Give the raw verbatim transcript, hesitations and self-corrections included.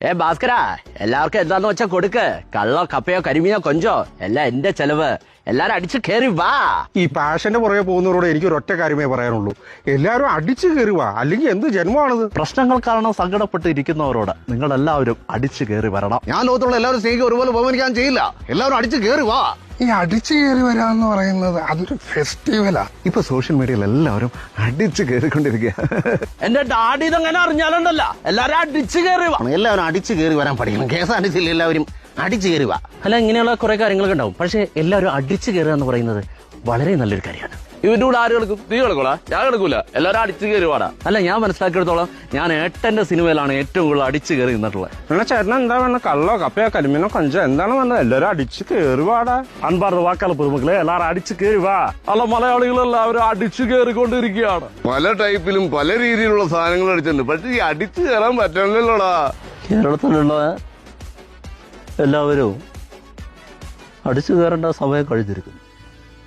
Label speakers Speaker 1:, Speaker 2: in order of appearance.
Speaker 1: ഏ ഭാസ്കര, എല്ലാവർക്കും എന്താന്ന് വെച്ചാ കൊടുക്ക്. കള്ളോ കപ്പയോ കരിമീനോ കൊഞ്ചോ എല്ലാം എന്റെ ചെലവ്. എല്ലാരും അടിച്ചു കയറി വാ.
Speaker 2: ഈ പാഷന്റെ പുറകെ പോകുന്നവരോട് എനിക്ക് ഒരൊറ്റ കാര്യമേ പറയാനുള്ളൂ, എല്ലാവരും അടിച്ചു കയറി വാ, അല്ലെങ്കിൽ എന്ത് ജന്മമാണിത്?
Speaker 3: പ്രശ്നങ്ങൾ കാരണം സങ്കടപ്പെട്ട് ഇരിക്കുന്നവരോട് നിങ്ങൾ എല്ലാവരും അടിച്ചു കയറി വരണം.
Speaker 4: ഞാൻ ലോകത്തുള്ള എല്ലാവരും സ്നേഹിക്കുക ഒരുപോലെ ബഹുമാനിക്കാൻ ചെയ്യില്ല. എല്ലാവരും അടിച്ചു കയറി വാ.
Speaker 5: ഈ അടിച്ചു കയറി വരാന്ന് പറയുന്നത് അതൊരു ഫെസ്റ്റിവലാ.
Speaker 3: ഇപ്പൊ സോഷ്യൽ മീഡിയയിൽ എല്ലാവരും അടിച്ചു കയറിക്കൊണ്ടിരിക്കുക.
Speaker 1: എന്റെ ഡാഡി ഇതെങ്ങനെ അറിഞ്ഞാലുണ്ടല്ല, എല്ലാരും അടിച്ചു കയറി വാ.
Speaker 4: എല്ലാവരും അടിച്ചു കയറി വരാൻ പഠിക്കണം. കേസ് അടിച്ചില്ല, എല്ലാവരും അടിച്ചു കയറി വാ.
Speaker 1: അല്ല, ഇങ്ങനെയുള്ള കുറെ കാര്യങ്ങളൊക്കെ ഉണ്ടാവും. പക്ഷെ എല്ലാവരും അടിച്ചു കയറുക എന്ന് പറയുന്നത് വളരെ നല്ലൊരു കാര്യമാണ്. ഇവരുടെ കൂടെ ആര് കളിക്കും? നീ കളിക്കോളാ, ഞാൻ കളിക്കൂല. എല്ലാവരും അടിച്ചു കയറി വാടാ. അല്ല, ഞാൻ മനസ്സിലാക്കിയെടുത്തോളം ഞാൻ ഏട്ടന്റെ സിനിമയിലാണ് ഏറ്റവും കൂടുതൽ അടിച്ചു കയറി നിന്നിട്ടുള്ളത്.
Speaker 2: എന്നാ ചേട്ടൻ എന്താ വേണ്ട? കള്ളോ കപ്പയോ കരിമീനോ കൊഞ്ചോ എന്താണ് വേണ്ടത്? എല്ലാവരും അടിച്ചു കയറി വാടാ.
Speaker 3: അൻപാറ് വാക്കാല പൊതുമക്കളെ എല്ലാവരും അടിച്ചു കയറി വാ.
Speaker 1: അല്ല, മലയാളികളെല്ലാവരും അടിച്ചു കയറിക്കൊണ്ടിരിക്കുകയാണ്.
Speaker 6: പല ടൈപ്പിലും പല രീതിയിലുള്ള സാധനങ്ങൾ അടിച്ചിട്ടുണ്ട്. പക്ഷെ ഈ അടിച്ചു കയറാൻ പറ്റണല്ലോടാ.
Speaker 3: കേരളത്തിലുള്ള എല്ലാവരും അടിച്ചു കയറേണ്ട സമയം കഴിഞ്ഞിരിക്കുന്നു.